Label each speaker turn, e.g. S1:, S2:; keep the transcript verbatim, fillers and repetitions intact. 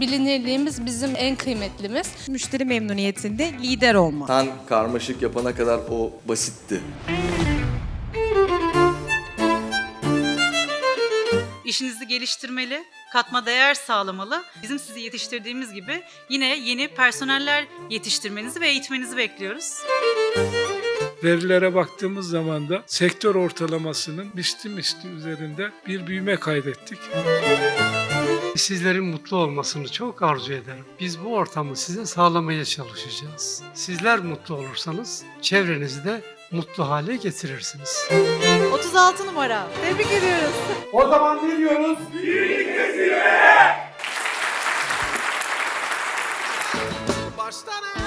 S1: bilinirliğimiz bizim en kıymetlimiz.
S2: Müşteri memnuniyetinde lider olma.
S3: Sen karmaşık yapana kadar o basitti.
S4: İşinizi geliştirmeli, katma değer sağlamalı. Bizim sizi yetiştirdiğimiz gibi yine yeni personeller yetiştirmenizi ve eğitmenizi bekliyoruz.
S5: Verilere baktığımız zaman da sektör ortalamasının misli misli üzerinde bir büyüme kaydettik.
S6: Sizlerin mutlu olmasını çok arzu ederim. Biz bu ortamı size sağlamaya çalışacağız. Sizler mutlu olursanız çevrenizi de mutlu hale getirirsiniz.
S2: otuz altı numara. Tebrik ediyoruz.
S7: O zaman ne diyoruz?
S8: Baştan